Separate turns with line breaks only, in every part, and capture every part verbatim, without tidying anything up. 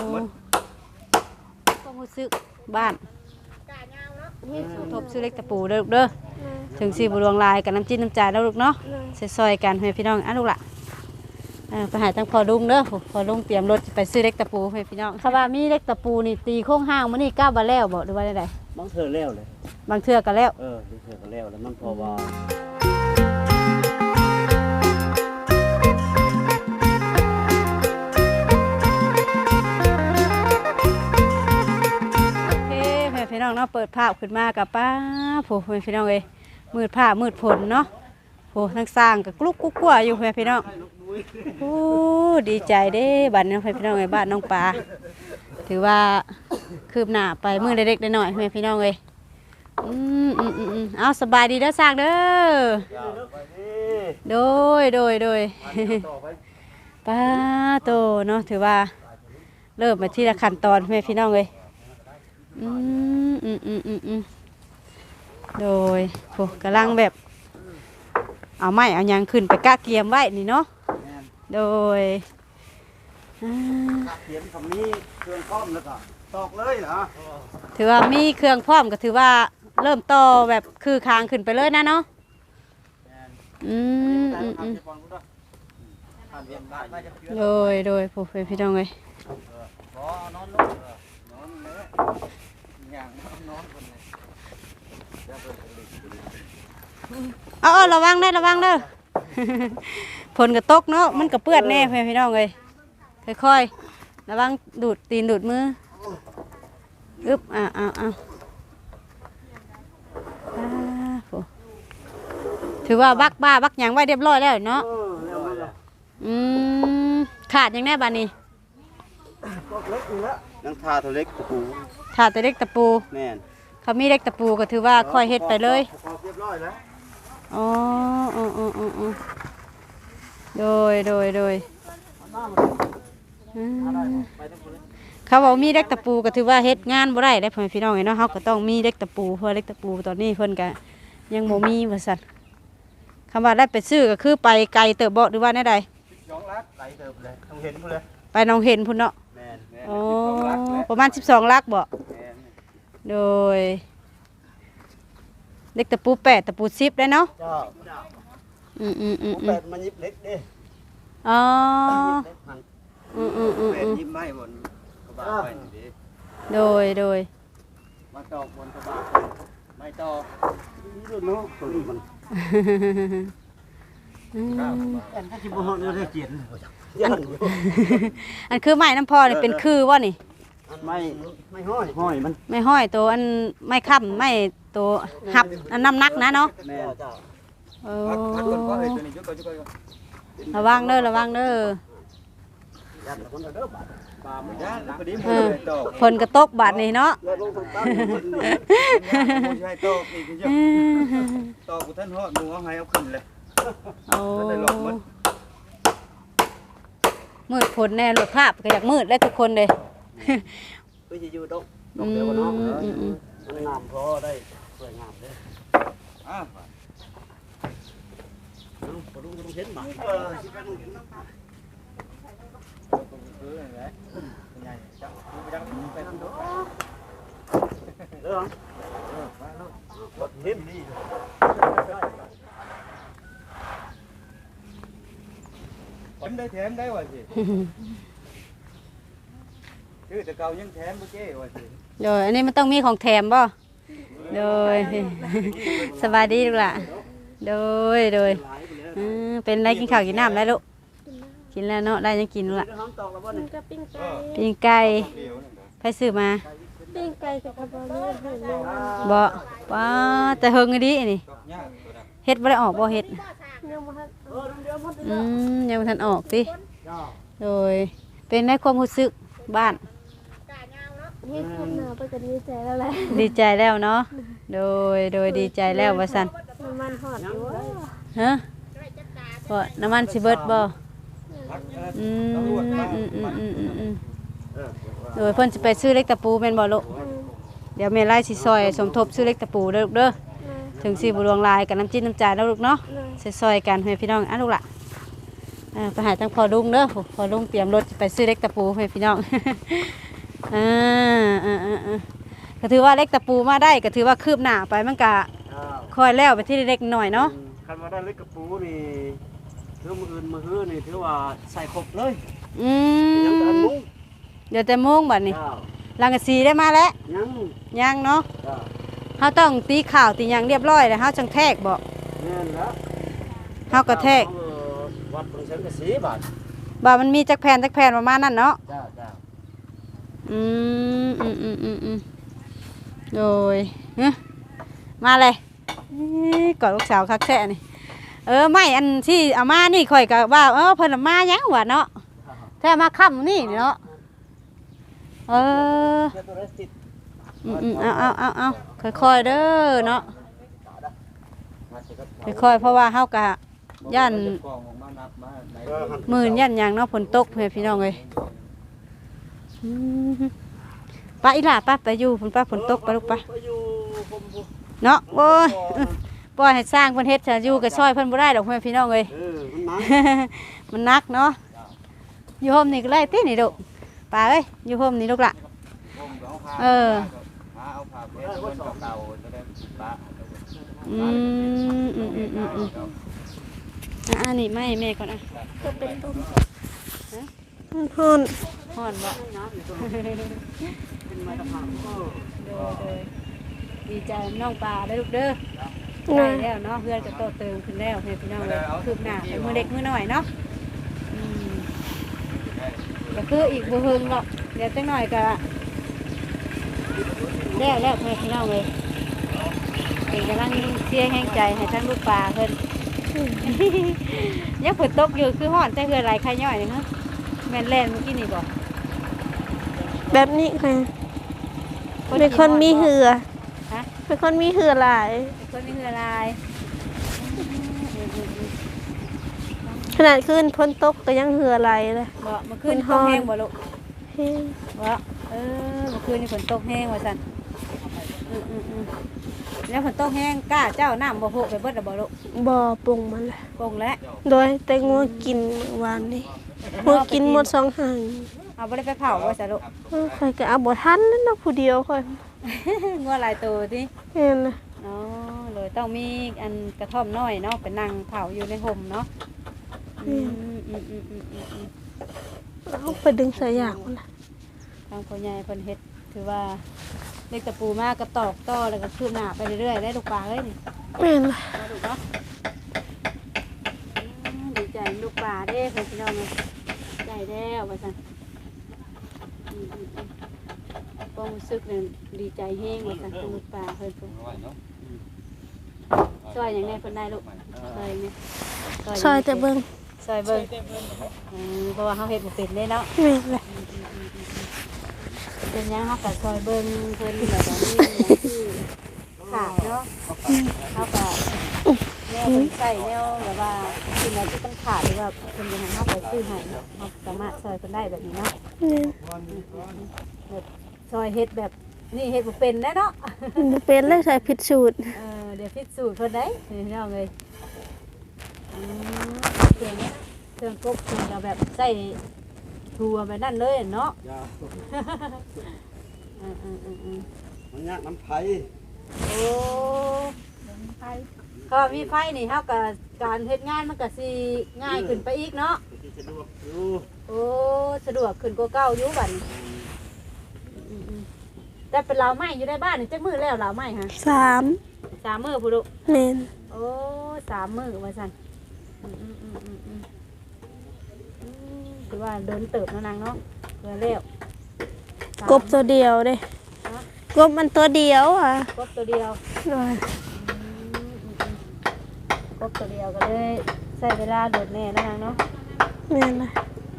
ความรู้สึกบ้านสมทบซื้อเล็กตะปูเด้อลูกเด้อถึงสีบุรวงลายกับน้ำจิ้มน้ำจ่ายแล้วลูกเนาะซอยๆกันให้พี่น้องอ่ะลูกล่ะไปหาตั้งพอลุงเด้อพอลุงเตรียมรถไปซื้อเล็กตะปูให้พี่น้องคำว่ามีเล็กตะปูนี่ตีโค้งห้างมันนี่ก้าวบาแล้วบอกดูว่าได้ได
บางเทื่อแล้วเลย
บางเทื่อก็แล้ว
เออบางเทื่อก็แล้วแล้วมันพอว่า
พี่น้องเนาะเปิดภาพขึ้นมากับป้าโผล่พี่น้องเลยมืดผ้ามืดฝนเนาะโผล่ทั้งสร้างกับกลุกกุ๊กกัวอยู่พี่น้องโอ้ดีใจเด้บ้านน้องพี่น้องเลยบ้านน้องปลาถือว่าคืบหน้าไปมือเล็กๆหน่อยๆพี่น้องเลยอืมอืมอืมเอาสบายดีเด้อสร้างเด้อโดยโดยโดยป้าโตเนาะถือว่าเริ่มมาที่ละขั้นตอนพี่น้องเลยอืมอืมอืมอืมอืมโดยโหกำลังแบบเอาไม้เอายางขึ้นไปกะเกียมไว้นี่เนาะโดย
เขียนคำนี้เครื่องพร้อมแล้วก็ตอกเลยเหรอ
ถือว่ามีเครื่องพร้อมก็ถือว่าเริ่มต่อแบบคือคางขึ้นไปเลยนะเนาะอืมอืมอืมโดยโดยผู้เป็นพี่น้องเลยเอาเอาระวังได้ระวังเด้อฝนกระตกเนาะมันกระเปื้อนแน่พี่น้องเลยค่อยๆระวังดูดตีนดูดมืออึ๊บอ่าอ่าอ่าถือว่าบักบ้าบักยังไว้เรียบร้อยแล้วเนาะอืมขาดยังแน่บ้านนี้
นังทาตัวเล็กตะปู
ถาดแต่เล็กตะปู
แม่น
เขามีเล็กตะปูก็ถือว่าค่อยเฮ็ดไปเลย
เรียบร้อยแล้ว
อ๋ออ๋ออ๋ออ๋อโดยโดยโดยเขาบอกมีเล็กตะปูก็ถือว่าเฮ็ดงานบ่ได้ได้พ่อพี่น้องเนาะเขาก็ต้องมีเล็กตะปูเพราะเล็กตะปูตอนนี้เพิ่นก็ยังบ่มีว่าซั่นคำว่าได้ไปซื้อก็คือไปไกลเติบบ่หรือว่าแน่ใด
สองลักไกลเติบเลยต้องเห็นพุ่นเลย
ไปน้องเห็นพุ่นเนาะ
แม่น
อ๋อประมาณสิบสองลักบ่โดยเล็กตะปูแปดตะปูสิบได้เนาะอืมอืมอืม
แปดมันยิบเล็กเด้
อ๋ออืมอืมอืมอืม
ยิบไม้บนกระบะไปนี่
โดยโดย
มาตอกบนกระบะไม่ตอกนี่เนาะตัวนี้มันอันที่บ่ฮอดเด้อเกียน
อันคือไม้น้ำพอนี่เป็นคือว่านี่
ไม่ไม่ห้อยห้อยมัน
ไม่ห้อยตัวอันไม่ค้ำไม่ตัวหับอันน้ำนักนะเนาะระวังเด้อระวังเด้อฝนกระตกบาดนี่เนาะ
ตอกท่านฮอดดูเอาให้เอาขึ้นเลย
โอ้มืดฝนแน่รถภาพก็อยากมืดได้ทุกคนเลย
ก็จะอยู่ตรงตรงเดียวกันเนาะมันงามพอได้สวยงามเลยอ่ะปลุงต้องเห็นมาเออชิบะต้องเห็นนะเออเห็นดีผมได้แถมได้ว่ะสิคือแต่เก่ายังแถมบ่เจ้ว่ะสิ
โดยอันนี้มันต้องมีของแถมบ่โดยสบายดีลูกล่ะโดยโดยเป็นไรกินข้าวกินน้ำได้ลูกกินแล้วเนาะได้ยังกินลูกล่ะปิ้งไก่ไปซื้อมา
ปิ้งไก่กับกระบอกนี่
บ่ว้าแต่เฮงดีนี่เฮ็ดบ่ได้ออกบ่เฮ็ดอืมยังบ่ทันออกติโดยเป็นในความรู้สึกบ้าน
นี่คืบหน้าไปกันดีใจแล้วแหละ
ดีใจแล้วเนาะโดยโดยดีใจแล้วว่าซั่น
น้ำมันหอดอยู่
ฮะบ่น้ำมันสิเบิดบ่อืมอืมอืมอืมอืมอืมโดยเพิ่นสิไปซื้อเล็กตะปูแม่นบ่ลูกเดี๋ยวแม่ไล่สิซอยสมทบซื้อเล็กตะปูเด้อลูกเด้อถึงสิบ่รวงลายกับน้ำจิ้มน้ำจ่ายแล้วลูกเนาะซอยๆกันให้พี่น้องอ่ะลูกล่ะอ่าไปหาทางพอลุงเด้อพอลุงเตรียมรถไปซื้อเล็กตะปูให้พี่น้อง อ่าอ่าอ่าอ่าก็ถือว่าเล็กตะปูมาได้ก็ถือว่าคืบหน้าไปมันก็คอยแล้วไปที่เล็กหน่อยเนาะ
คันว่าได้เล็กกระปูนี่ถือมืออื่นมือฮื้อนี่ถือว่าใส่ครบเลย
อื
ยังแต่
ม
มุ้ง
เดี๋ยวแต่โมงบัดนี้
เจ้า
ลังกะสีได้มาแล้ว
ยัง
ยังเนาะ
เจ้า
เขาต้องตีข่าวตีหยังเรียบร้อยแล้วเขาจังแทกบอก
แม่นแล้ว
เขาก็แทก
เออวัดตรงเชิงกระสีบาท
บ่ามันมีจักแผ่นจักแผ่นประมาณนั้นเนาะ
เจ้าเจ้า
อืมอืมอืมอืมอืมโดยเอ้อมาเลยอี้กอดลูกสาวคักแท้นี่เออไม่อันที่เอามานี่ข่อยก็ว่าเออเพิ่นเอามาหยังวะเนาะแท้มาค่ำนี่เนาะเออ
เจ้าตัวได้ติด
อืมอืมเอาเอาเอาเอาค่อยๆเด้อเนาะค่อยๆเพราะว่าเฮากะย่านหมื่นย่านหยังเนาะฝนตกเพื่อนพี่น้องเอ้ยอืมป้าอีหล่าป้าไปอยู่ฝนป้าฝนตกไปลูกป้า
ไปอยู่ผมผม
เนาะโอ้ยปล่อยให้สร้างเพิ่นเฮ็ดจะอยู่กับซอยเพิ่นบ่ได้ดอกเพื่อนพี่น้องเอ้ย
เออมันหนัก
มันหนักเนาะอยู่โฮมนี่ก็ไล่ตินี่ลูกป้าเอ้ยอยู่โฮมนี่ลูกล่ะเอออืมอืมอืมอืมอืมอ่ะอันนี้ไม่แม่ก่อนอ่ะ
ก็เป็นต้ม
ฮ้อนฮ้อนบ่
เป็นไม้ตะพานเออ
โดยโดยดีใจน้องปลาได้อลูกเด้อได้แล้วเนาะเพื่อนก็โตเติมขึ้นแล้วให้พี่น้องเลยคืบหน้าไปมือเด็กมือหน่อยเนาะอืมก็คืออีกบ่เฮิงหรอกเดี๋ยวจังหน่อยก็แล้วแล้วให้พี่น้องเลยเป็นกำลังเสียแห้งใจให้ทั้งลูกปลาเพิ่น ยังฝนตกอยู่คือฮ้อนแต่เฮือไหลใครย่อยนี่ฮะแม่นแล่นเมื่อกี้นี่บ่
แบบนี้ค่ะเป็นคนมีเหือ
ฮะ
เป็นคนมีเหือหลาย
คนมีเฮือลาย
ขนาดขึ้นพ้นตกก็ยังเหือไหลเลย
บ่เมื่อคืนตกแห้งบ่ลูก
เฮ้ย
บ่เออเมื่อคืนนี่ฝนตกแห้งว่าซั่นอืออืออือแล้วฝนตกแห้งกล้าเจ้าน้ำบ่โผไปเบิดแล้วบ่ลูก
บ่อปรุงมันเลย
ปงแล้ว
โดยแต่งัวกินเมื่อวานนี้งัวกินหมดสองหาง
เอาบ่ได้ไปเผาว่าซั่นลูก
เออข่อยก็เอาบ่ทันนั่นเนาะผู้เดียวข่อย
งัวหลายตัวติ
เห็นนะ
อ๋อเลยต้องมีอันกระท่อมน้อยเนาะไปนั่งเผาอยู่ในห่มเนาะอืมอืมอืมอืมอืมอืม
เอาไปดึงสายยางมันละ
ทางพ่อใหญ่เพิ่นเฮ็ดถือว่าเล็กตะปูมากก็ตอกต่อแล้วก็คืบหน้าไปเรื่อยๆได้ลูกปลาเอ้ยนี่
แม่นละ
มาดูเนาะอืมดีใจลูกปลาเด้เพื่อนพี่น้องเลยใจแล้วว่าซั่นอืมอืมอืมความรู้สึกเนี่ยดีใจแห้งว่าซั่นเป็นลูกปลาเพิ่นเพิ่นซอยอย่างไรเพิ่นได้ลูกซอยอย่างไร
ซอยแต่เบิ่ง
ซอยเบิ่งอืมเพราะว่าเขาเฮ็ดบ่เป็นเด้เนาะ
แม่นละ
เป็นหยังเขาก็ซอยเบิ่งเพิ่นแบบว่านี่หยังคือขาดเนาะเขาก็แนวเพิ่นใส่แนวแบบว่าสิ่งไหนที่ต้องขาดหรือว่าเพิ่นจะให้เขาไปซื้อให้เนาะเขาสามารถซอยเพิ่นได้แบบนี้เนาะ
แม่น
แบบซอยเฮ็ดแบบนี่เฮ็ดบ่เป็นแน่เนาะ
บ่เป็นเลยใส่ผิดสูตร
เออเดี๋ยวพิสูจน์เพิ่นได้พี่น้องเอ้ยอืมเครื่องนี้เครื่องกบเครื่องก็แบบใส่ทัวแบบนั้นเลยเนาะ
ยา
อืมอืมอืมอืม
มันยากน้ำไผ่
โอ้ไฟก็มีไฟนี่เฮากับการเฮ็ดงานมันก็สิง่ายขึ้นไปอีกเนาะ
ที่สะดวกอยู่
โอ้สะดวกขึ้นกว่าเก่าอยู่บัดนี้อืมๆแต่เป็นลาวไม้อยู่ในบ้านนี่จักมื้อแล้วลาวไม้ฮะ
สาม
สามมื้อพุดุ
แม่น
โอ้สามมื้อว่าซั่นอืมอืมอืมอืมอืมอืมคือว่าเดินเติบเนาะนางเนาะเพื่อแล้วสาม
กบตัวเดียวเด้
ฮะ
กบมันตัวเดียวอ่ะ
กบตัวเดียว
โดย
ครบตัวเดียวก็เลยใช้เวลาโดดแน่แล้วเนาะ
แม่นละ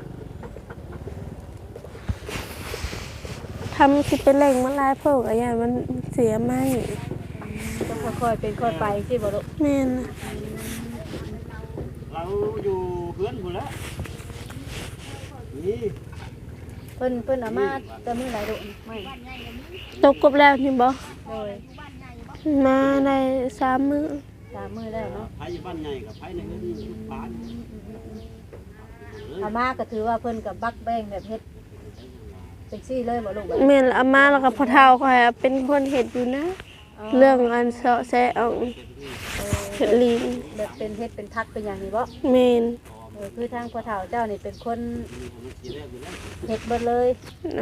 ทำสิเป็นแหล่งมันลายเพิ่งอะไรอย่างมันเสียไหม
ต้องค่อยๆเป็นค่อยไปสิบ่ลูก
แม่นละ
เราอยู่เพื่อนหมดแล้วนี่
เพิ่นเพิ่นเอามาจะมือหลายลูกไม่
ตกกบแล้วนี่บ่
โดย
มาได้สามมื้อ
สามมือแล้วเนาะ
ไผ่บ้านใหญ่กับไผ่ในเงินบ้าน
อามาก็ถือว่าเพิ่นกับบักแบ่งแบบเฮ็ดเป็นซี่เลยบ่ลูก
แม่นอามาแล้วก็พ่อเฒ่าข่อยอะเป็นคนเฮ็ดอยู่นะ เรื่องอันเสาะแซะเอาเฮ็ดลีน
แบบเป็นเฮ็ดเป็นทักเป็นอย่างนี้บ่
แม่น
เออคือทางพ่อเฒ่าเจ้านี่เป็นคนเฮ็ดเบิดเลย
นะ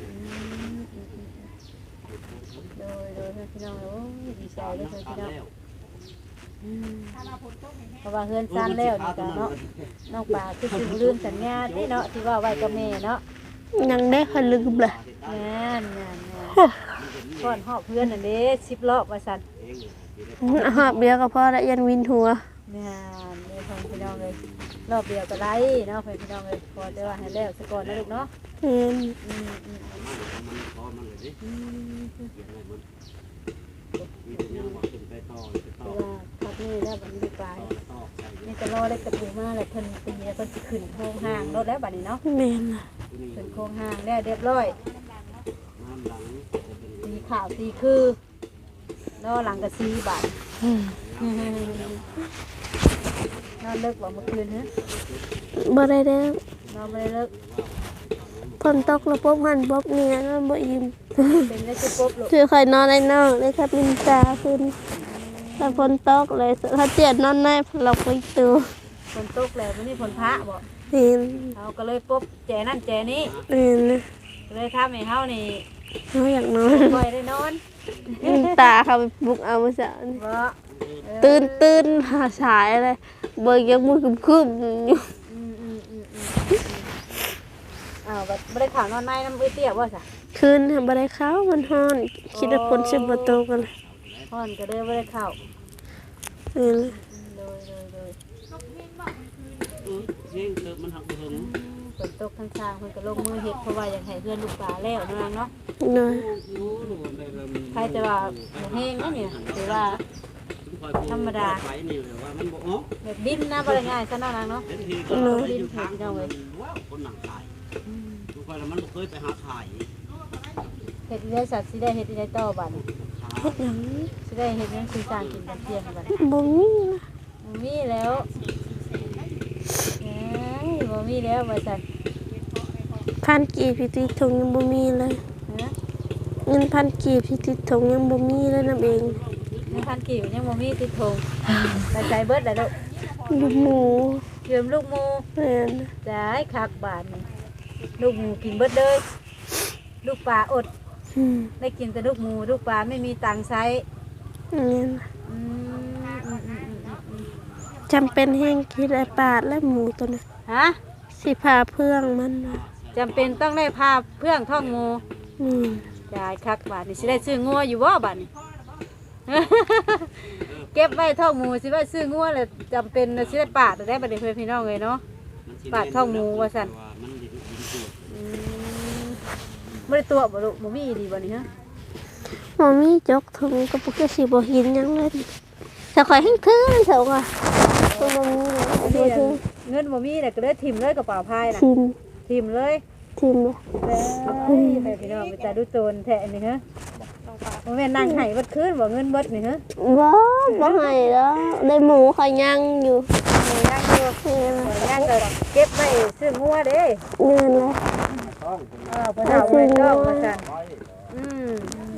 โดยโดยพี่น้องโอ้ยดีใจเลยพี่น้องอืมเพราะว่าเฮือนซ่านแล้วนี่ก็เนาะน้องปลาคือสิลืมสัญญาที่เนาะที่ว่าไว้กับแม่เนาะ
ยังได้ค่อยลืมเลย
งานงานงานก่อนหอบเพื่อนนั่นเด้สิบรอบว่าซั่น
หอบเดียวก็พอละยันวินหัว
งานเลยพี่น้องเลยรอบเดียวก็ไล่เนาะพี่น้องเลยพอจะว่าให้แล้วซะก่อนนะลูกเนาะ
แม่น
อืมอืม
มันพอมันเลยดิ
อืม
เขียนอะไรมันมีแต่ยังว่าขึ้นไปต่อไปต่อ
คือว่าพักนี้แล้วบัดนี้ปลาย
ต่อใส่
นี่จะรอได้กระปูมาแล้วเพิ่นตีแล้วเพิ่นสิขึ้นโครงห้างรถแล้วบัดนี้เนาะ
แม่นล่ะ
ขึ้นโครงห้างแล้วเรียบร้อย
น้ำหลังจะเป็น
สีขาวสีคือรอหลังก็สีบาท
อืม
นอนเลิกบ่เมื่อคืนฮะ
บ่ได้แล้ว
นอนไม่ได้เลิก
ฝนตกแล้วปุ๊บหันปุ๊บเนี่ยนอนบ่อิ่ม
เป็นได้จะปุ๊บลูก
คือค่อยนอนในนอกเลยครับมินตาขึ้นถ้าฝนตกเลยถ้าเจียดนอนในเราไปตัว
ฝนตกแล้ววันนี้ฝนพระบ่
เห็น
เขาก็เลยปุ๊บแจนั่นแจนี้
เห็นนะ
เลยทำให้เฮานี่
เขาอยากนอน
ค่อยได้นอน
มินตาเขาไปปลุกเอาเมื่อเช้านี่
บ่
ตื่นตื่นหาฉายเลยเบิกยังมือคึมคึมๆอยู่
อืมอืมอืมอืมอ้าวบ่บ่ได้ข่าวนอนในน้ำเอื้อเตี้ยบ่ซะ
คืนทำอะไรเขามันฮ้อน คิดว่าฝนจะมาตกกันเลย
ฮ้อนก็เลยบ่ได้ข่าว
เห็นเลย
เลยเลยเลย
เสียงเติมมันหักเหิง
ฝนตกทั้งทางเพิ่นก็ลงมือเฮ็ดเพราะว่าอยากให้เพื่อนลูกปลาแล้วนางเนาะ
หน่อย
รู้หนูในเริ่ม
ใครจะว่าบ่แห้งนะเนี่ยถือว่า ธรรมดา
ไปนี่เลยว่ามันบอกอ๋อ
แบบดินนะบ่ได้ง่ายซะเนาะนางเนาะ
เป็นทีก็อยู่ทางว้าวคนหนังขายทุกคนมันเคยไปหาขาย
เฮ็ดได้สัตว์สิได้เฮ็ดได้ต่อบัดนี้
เฮ็ดหยัง
สิได้เฮ็ดหยังคือสร้างกินกันเที่ยงกันบัดนี้
บ่มีนะ
บ่มีแล้วเอ้ยบ่มีแล้วว่าซั่น
พันกีบพิธีทงยังบ่มีเลย
ฮะ
เงินพันกีบพิธีทงยังบ่มีเลยนํเอง
ยังพันกิ่วยังบ่มีติดธงไปใจเบิดแล้วลูก
ลูกหมู
ยืมลูกหมู
แม่น
จ่ายคักบาทนี่ลูกหมูกินเบิดเลยลูกปลาอด
อืม
ได้กินแต่ลูกหมูลูกปลาไม่มีตังค์ใช้
แม่น
อืมอืมอืมอืมอืม
จำเป็นแห้งคิดไอ้ปาดและหมูตัวนั้น
ฮะ
สิพาเพื่องมันนะ
จำเป็นต้องได้พาเพื่องท่องงู
อืม
จ่ายคักบาทนี่สิได้ซื้องัวอยู่บ่บาทนี่ เก็บไว้ท่องหมูสิว่าซื้องัวแล้วจำเป็นสิได้ปาดได้บัดนี้เพื่อนพี่น้องเลยเนาะ ปาดท้องหมูว่าซั่น
มันดินดินตัว
อืมบ่ได้ตัวบ่ลูกบ่มีดีบ่นี่ฮะ
หมอมีจกถุงก็ปุกสิบ่เห็นหยังเลยถ้าข่อยให้คืนเถอะว่ะบ่มีเลย
นี่
บ่ถึง
เงินบ่มีน่ะก็เลยถิ่มเลยกระเป๋าพายน่ะ
ทิม
ถิ่มเลย
ทิมเลย
แล้วให้พี่น้องไปตาดูโจรแท้นี่ฮะบ่แม่นนั่งให้เบิดคืนบ่เงินเบิดนี่ฮะ
บ่บ่ให้แล้วได้หมูข่อยยังอยู่
ย่างอยู่ย่างก็เก็บไว้ซื้องัวเด้
เงินเลย
เออบ่เอาไว้ดอกว่าซั่นอืม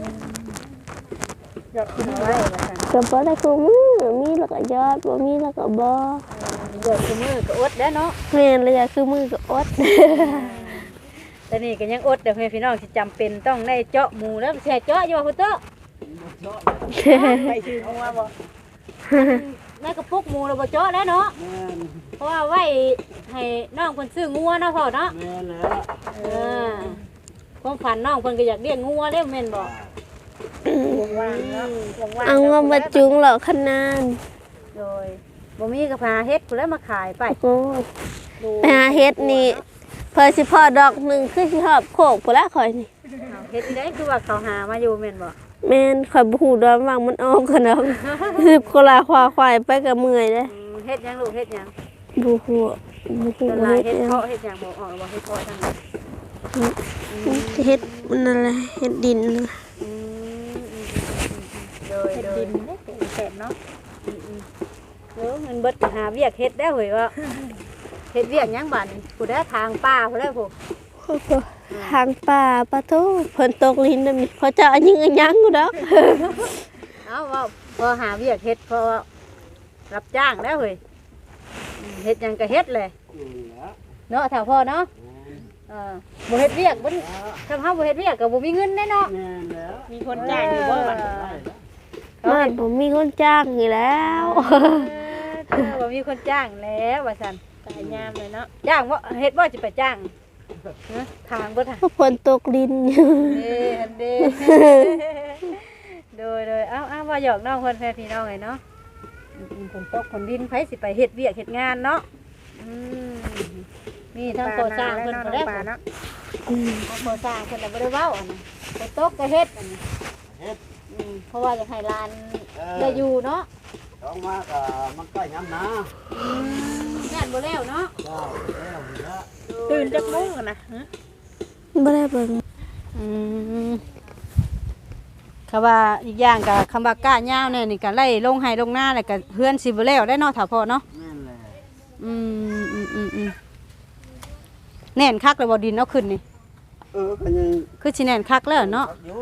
อยากกินไว้ว่าซั่น
ก็บ่ได้คู่มือมีแล้วก็ยอดบ่มีแล้วก็บ่
เกิดคือมือก็อดแล้วเนาะ
แม่นเลยอะคือมือก็อด
แต่นี่ก็ยังอดเด้อพี่น้องสิจำเป็นต้องได้เจาะหมูแล้วแช่เจาะอยู่ว่าคุณเต้อไปซื้อเอามาบ่ในกระปุกหมูเราบ่เจาะแล้วเนาะ
แม่น
เพราะว่าไว้ให้น้องเพิ่นซื้องัวเนาะพ่อเนาะ
แม่นแล้ว
เออความฝันน้องเพิ่นก็อยากเลี้ยงงัวเด้แม่นบ่ว่างๆเนาะว่างๆ
เอามามาจุงเหล่าขนาด
โดยบ่มีก็พาเฮ็ดพุ่นแล้วมาขายไป
โอ้ยไปหาเฮ็ดนี่เพิ่นสิพอดอกหนึงคือสิหอบโคกพุ่นละข่อยนี่
เอาเฮ็ดได้คือว่าเขาหามาอยู่แม่นบ่
แม่นข่อยบ่ฮู้ดอกว่างมันออกกันดอกสิบกว่าลาควาควายไปก็เมื่อยเด้
อืมเฮ็ดหยังลูกเฮ็ดหยัง
บ่ฮู้บ่ฮู้
ตลาด
เฮ็
เฮ็
ด
ด
หยัง
เพาะเฮ็ดหยังบ่ออกบ่เฮ็ดเพาะจังได๋
เฮ็ดมันนั่นแหละเฮ็ดดินนั่นแหละ
อืมโดยโดยแซ่บเนาะอืมๆเออเงินเบิดก็หาเวียกเฮ็ดได้เฮ้ยว่าเฮ็ดเวียกหยังบัดนี่ผู้ใดทางป่าผู้ใดผู้
ทางป่าปะทูฝนตกลิ้นน่ะมีเขาจะอันยิงอันยังกูดอก
เอาว่าพอหาเวียกเฮ็ดพอรับจ้างแล้วเฮ้ยอืมเฮ็ดหยังก็เฮ็ดเลย
นี่แหละ
เนาะถ้าพ่อเนาะเออบ่เฮ็ดเวียกบ่ทำเฮาบ่เฮ็ดเวียกก็บ่มีเงินแน่เนาะ
แม่นแล้ว
มีคนจ้างอยู่บ่บัดนี้
บ้านผมมีคนจ้างอยู่แล้ว
เออบ่มีคนจ้างแล้วว่าซั่น
ตายยามเลยเนาะ
จ้างบ่เฮ็ดบ่จะไปจ้างฮะทางบ่ทาง
ฝนตกลิ้น
เด้อันเด้ โดยโดยเอ้าเอ้าว่าหยอกน้องเพิ่นแฟนพี่น้องไงเนาะอืมฝนตกฝนดินไผสิไปเฮ็ดเวียกเฮ็ดงานเนาะอืมมีทั้งโคสร้างเพิ่นบ่ได้เนาะ
อืม
ทั้งโคสร้างเพิ่นน่ะบ่ได้เว้าอันนี้ไปตกก็เฮ็ดอันนี้
เฮ็ด
อืมเพราะว่าอยากให้หลานได้อยู่เนาะ
ต้องมาก็มันใกล้ยามนา
อืมงานบ่แล้วเนาะ
เจ้าแล้วนี่ละ
ตื่นจักโมงกันนะฮะ
บ่ได้เบิ่ง
อืมคำว่าอีกอย่างก็คำว่าก้ายาวเนี่ยนี่ก็ไล่ลงให้ลงหน้าแล้วก็เฮือนสิบ่แล้วได้เนาะถ้าพอเนาะ
แม่นแหละ
อืมอืมอืมอืมแน่นคักเลยบ่ดินเอาขึ้นนี่
เออก็ยัง
คือสิแน่นคักแล้วเนาะ
อยู่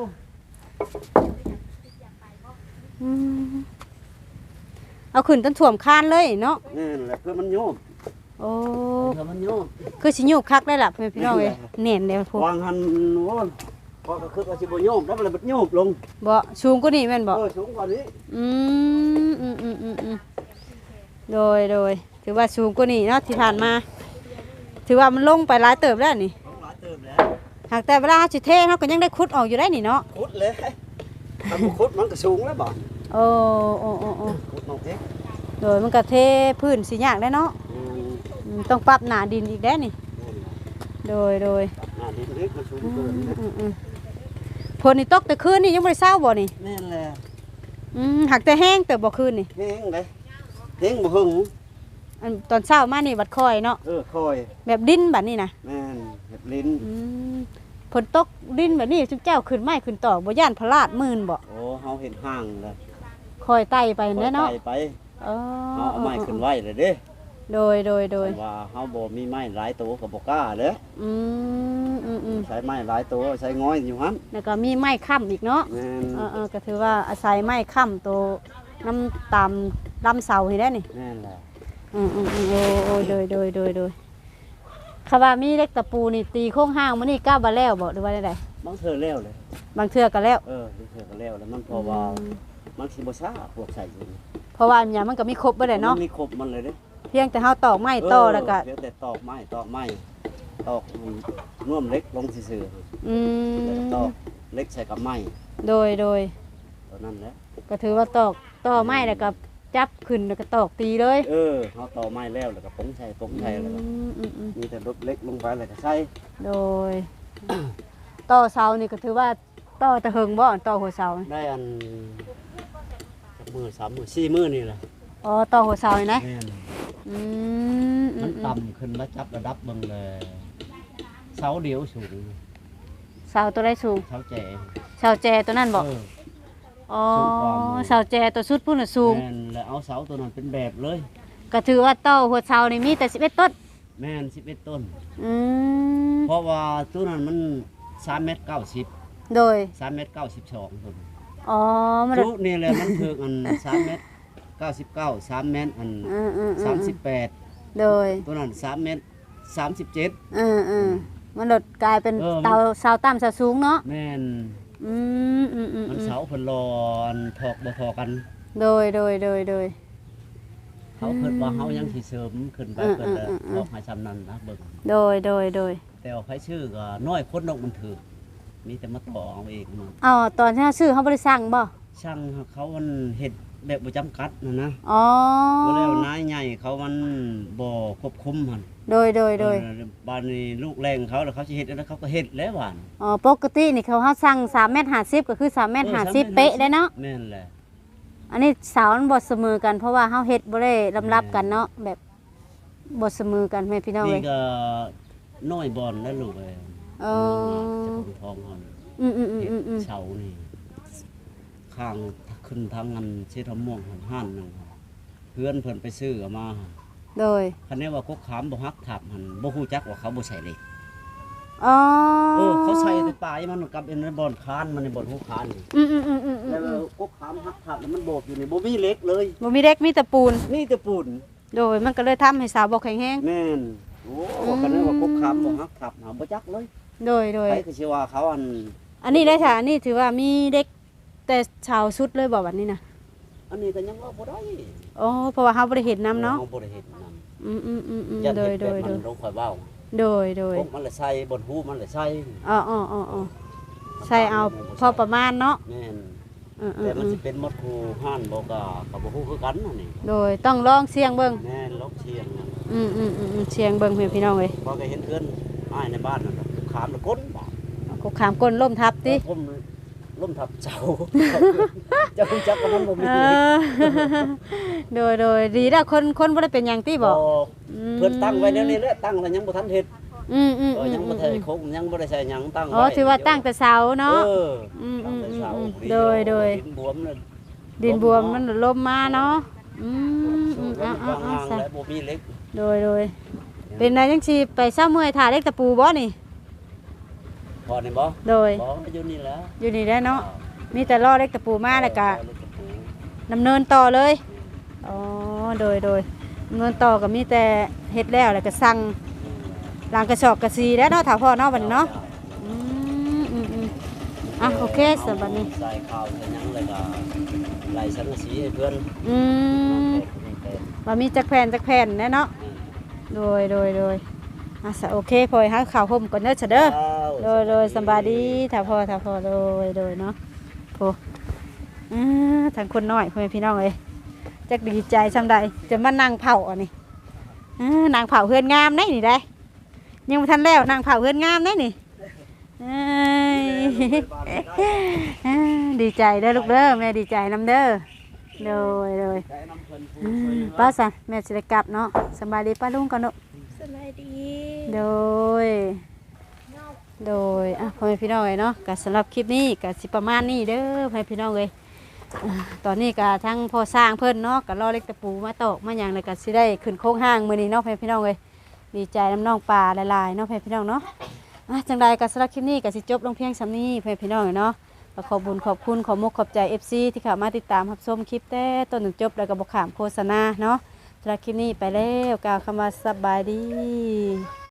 อืมเอาขึ้นจนท่วมคานเลยเนาะ
แม่นแหละคือมันโยม
โอ้
คือมันโยม
คือสิโยกคักได้ล่ะเพื่อนพี่น้องเอ้ยแน่นแล้วพวก
วางหันโอ้ยพอก็คือว่าสิบ่โยมแล้วมันเลยบ่โยมลง
บ่สูงกว่านี้แม่นบ่
เออสูงกว่านี้
อืมอืมอืมอืมอืมโดยโดยถือว่าสูงกว่านี้เนาะที่ผ่านมา ถือว่ามันลงไปหลายเติบแล้วนี่
ลงหลายเติมแล้ว
หากแต่เวลาเราสิเทเฮาก็ยังได้ขุดออกอยู่ได้นี่เนาะ
ขุดเลยถ้าบ่ขุดมันก็สูงแล้วบ่
โอ้โอ้โอ้โอ้
ขุดลงเอง
โดยมันก็เทพื้นสิยากได้เนาะ
อืม
อืมต้องปรับหนาดินอีกได้นี่
แม่นแหละ
โดยโดย
อ่าดินเล็กมันสูง
อื
เกิน
ม
นะ
อืมอืมฝนนี่ตกแต่คืนนี่ยังไม่ได้เศร้าบ่นี่
แม่นแหละ
อืมหักแต่แห้งแต่บ่คืนนี่
เฮงเลยเฮงบ่หึง
อันตอนเช้ามานี่บัดคอยเนาะ
เออคอย
แบบดินแบบนี้นะ
แม่นเห็บลิ้น
อืมฝนตกดินแบบนี้จุ๊เจ้าขึ้นไม้ขึ้นตอกบ่ย่านพลาดมื่นบ่
โอ้เฮาเห็นห้างเลย
คอยไต่ไปแน่เนาะ
คอยไต่ไป
เออ
เฮาเอาไม้ขึ้นไว้เลยเด้
โดยโดยโดย
ว่าเฮาบ่มีไม้หลายตัวก็บ่กล้าเด้
อืมอืมอืม
ใช้ไม้หลายตัวใช้ง้อยอยู่หั่น
แล้วก็มีไม้ค้ำอีกเนาะ
แม่น
เออเออก็ถือว่าอาศัยไม้ค้ำตัวน้ำตามลำเสานี่ได้นี่
แม่นแหละ
อืมอืมอืมโอ้โอ้โดยโดยโดยโดยคำว่ามีเล็กตะปูนี่ตีโค้งห้างมันนี่ก้าวบาแล้วบ่หรือว่าได้
บางเทื่อแล้วเลย
บางเทื่อก็แล้ว
เออบางเทื่อก็แล้วแล้วมันเพราะว่ามันสิบ่ช้าพวกใส่อยู่นี่
เพราะว่าอันอย่างมันก็มีครบไปเลยเนาะ
มันมีครบมันเลยเด้
เพียงแต่เฮาตอกไม้ต่อแล้วก็
เดี๋ยวแต่ตอกไม้ตอกไม้ตอกน่วมเล็กลงซื่อ
อื
ๆแล้ว
ม
ก็ตอกเล็กใส่กับไม้
โดยโดย
ตัวนั้นแหละ
ก็ถือว่าตอกต่อไม้แล้วก็จับขึ้นแล้วก็ตอกตีเลย
เออเฮาตอกไม้แล้วแล้วก็ปงใส่ปงใส่แล้วก็
อืมอืมอืม
มีแต่รถเล็กลงไปแล้วก็ใส่
โดย ต่อเสานี่ก็ถือว่าต่อตะเหิงบ่อนต่อหัวเสา
ได้อันจักมือสามมือสี่มือนี่แหละ
อ๋อต่อหัวเสานี่นะ
แม่น
อืมอื
มัน
มอืม
ต่ำขึ้นมาจับระดับเบิ่งเลยเสาเดียวสูง
เสาตัวใดสูง
เสาแจ
เสาแจตัวนั้นบ่
เออ
อ๋อ
สูงกว่าหมู่
เสาแจตัวสุดพุ่นน่ะสูง
แม่นแล้วเอาเสาตัวนั้นเป็นแบบเลย
ก็ถือว่าต่อหัวเสานี่มีแต่สิบเอ็ดต้น
แม่นสิบเอ็ดต้น
อืม
เพราะว่าตัวนั้นมันสามเมตรเก้าสิบ
โดย
สามเมตรเก้าสิบสองต้น
อ๋อมัน
ตัวนี่แหละมันถึกอันสามเมตรเก้าสิบเก้าสามเมตรอัน
อืมอืมอื
สาม
ม
สิบแปด
โดย
ตัวนั้นสามเมตรสามสิบเจ็ด
อืมอืมมันลดกลายเป็น
เออมัน
เตาเสาต่ำเสาสูงเนาะ
แม่น
อืมอืมอืม
มัน
อืม
เสาเพิ่นรอนถอกบ่ทอกัน
โดยโดยโดยโดย
เขาเพิ่นว่าเฮายังสิเสริมขึ้นไป
อืม
เพิ่นเลย
อืมอืม
บอกให้ซำนั้นนะเบิ่ง
โดยโดยโดย
แต่ว่าไผชื่อก็น้อยคนนกมันถือมีแต่มาต่อเอาเองมัน
อ๋อตอนที่เราซื้อเขาบริสั่งบ่
ช่างเขามันเฮ็ดแบบบ่จำกัดนะนะ
อ๋อ
บ่แล้วนายใหญ่เขามันบ่ควบคุมหั่น
โดยโดยโดย
เออบ้านนี้ลูกแรงเขาแล้วเขาสิเฮ็ดแล้วเขาก็เฮ็ดแล้วหวาน
อ๋อปกตินี่เขาเขาสั่งสามเมตรห้าสิบก็คือสามเมตรห้าสิบเป๊ะได้เนาะ
แม่นแหละ
อันนี้เสามันบดเสมอกันเพราะว่าเขาเฮ็ดบ่ได้ลำรับกันเนาะแบบบดเสมอกันแม่พี่น้อง
นี่
เลย
ก็น้อยบอลแล้วลูกเอ้ย
เออ
จะของทองเฮานี่
อืมอืมอืม
เฮ็ด
อืมอืม
เสานี่ข้างขึ้นทางอันเชทม่วงหันห้านหนึงเพื่อนเพิ่นไปซื้อเอามา
โดย
คันนี้ว่ากกขามบ่ฮักทับมันบ่ฮู้จักว่าเขาบ่ใส่เหล็ก
อ๋อ
เออเขาใส่แต่ปลายมันกับในบ่อนคานมันในบ่อนหูคานนี่
อืมอืมอืมอืมอื
แล้ว
ม
กกขามฮักทับแล้วมันโบกอยู่นี่บ่มีเหล็กเลย
บ่มีเด็กมีแต่ปูน
นี่แต่ปูน
โดยมันก็เลยทำให้สาวบ่แข็งแรง
แม่นโอ้คันนี้ว่ากกขามบ่ฮักทับหาบ่จักเลย
โดยโดย
ใครก็สิว่าเขาอัน
อันนี้เลยค่ะอันนี้ถือว่ามีเด็กแต่ชาวสุดเลยบอกแบบนี้นะ
อันนี้ก็ยังว่าบ่ได้
อ๋อเพราะว่าเขาบ่ได้เห็นน้ำเนาะ
อบ่ได้เห็นนำ
อืมอืมอืมอืม
ยัน
โดย
เห็น
โด
แบบ
ยโด
มั
ย
นลงข่อยเว้า
โดยโดย
กกมันเลยใส่บนหูมันเลยใส่
อ๋ออ๋ออ๋ออ๋อใช่เอาพอประมาณเนาะ
แม่น
อืมอื
แต่
ม
มัน
อืม
สิเป็นหมดคูห้านบ่ก็ก็บ่ฮู้คือกันนั่นนี่
โดยต้องลองเสียงเบิ่ง
แม่นลกเชียงนั่น
อืมอืมอืมอืมเสียงเบิ่งเพื่อนพี่น้องเลย
พอก็เห็นเพื่อนอ้ายในบ้านนั่นน่ะขามแล้วก้นบาด
กขามก้นล่มทับติ
ผมล้มทับเจ้า เจ้าคุณจักกับมันบ่มี
เออ โดยโดยดีแล้วคนคนบ่ได้เป็นหยังติบอก
เพิ่นตั้งไว้เดี๋ยวนี้แหละตั้งแล้วยังบ่ทันเฮ็ด
อืมอืม
เอ
อื
อ
ม
ยังบ่
อื
ทัน
ม
คงยังบ่ได้ใส่หยังตั้งไว้
อ๋อถือว่าตั้งแต่เสาเนาะ
เออ
อืม
ตั้
อื
ง
ม
แต่
อืม
เสา
อืมโดยโดย
ดินบวมน่ะ
ดินบวมมันลมมาเนาะอืมอืม
สู
อ่าง อ่า
วาง
อ่า
ๆ
ซะ
แล้วบ่มีเหล็ก
โดยโดยเป็นนายจังชีไปเศร้าเมื่อยถ่าเล็กตะปูบ่นี่
พอนี่บ่
โดย
บ่อยู่นี่แหล้ว
อยู่นี่ได้เนาะมีแต่ล่อเล็กตะปูมาแล้วก็ดำเนินต่อเลยอ๋อโดยโดยดำเนินต่อก็มีแต่เฮ็ดแล้วแล้วก็สั่งล้างกระสอบกระซีแล้วเนาะถ้าพ่อเนาะบัดนี้เนาะอืมอืมอืมอ่ะโอเคสำหรับบัดนี้
ใส่ข้าวใส่หยังเลยก็ไล่สังกะสีให้เพื่อน
อืมว่ามีจักแผ่นจักแผ่นแน่เนาะโดยโดยโดยอ่ะสะโอเคพอให้ข้าวห่มก่อนเด้อเฉเด้อ โดยโดยสำบายดีถ้าพอถ้าพอโดยโดยเนาะโพอ่าทางคนน้อยพ่อแม่พี่น้องเอ้ยจักดีใจซำใดจะมานั่งเผาอันนี้อ่านางเผาเฮือนงามได้นี่ได้ยังบ่ทันแล้วนางเผาเฮือนงามได้นี่เอ้ยอ่าดีใจเด้อลูกเด้อแม่ดีใจนำเด้อโดยโดยอ่าป้าสันแม่สิได้กลับเนาะสำบายดีป้าลุงก่อนเนาะ
สบายดี
โดย โดยอ่ะพ่อแม่พี่น้องเลยเนาะก็สำหรับคลิปนี้ก็สิประมาณนี้เด้อพ่อแม่พี่น้องเลยอ่าตอนนี้ก็ทั้งพ่อสร้างเพิ่นเนาะก็รอเล็กตะปูมาตอกมาหยังเลยก็สิได้ขึ้นโค้งห้างมื้อนี้เนาะพ่อแม่พี่น้องเลยดีใจน้ำน้องปลาหลายๆเนาะพ่อแม่พี่น้องเนาะอ่ะจังใดก็สำหรับคลิปนี้ก็สิจบลงเพียงส่ำนี้พ่อแม่พี่น้องเลยเนาะก็ขอบุญขอบคุณขอมกขอบใจ เอฟ ซี ที่เข้ามาติดตามรับชมคลิปแต่ต้นถึงจบแล้วก็บ่ขามโฆษณาเนาะสำหรับคลิปนี้ไปแล้วกล่าวคำว่าสบายดี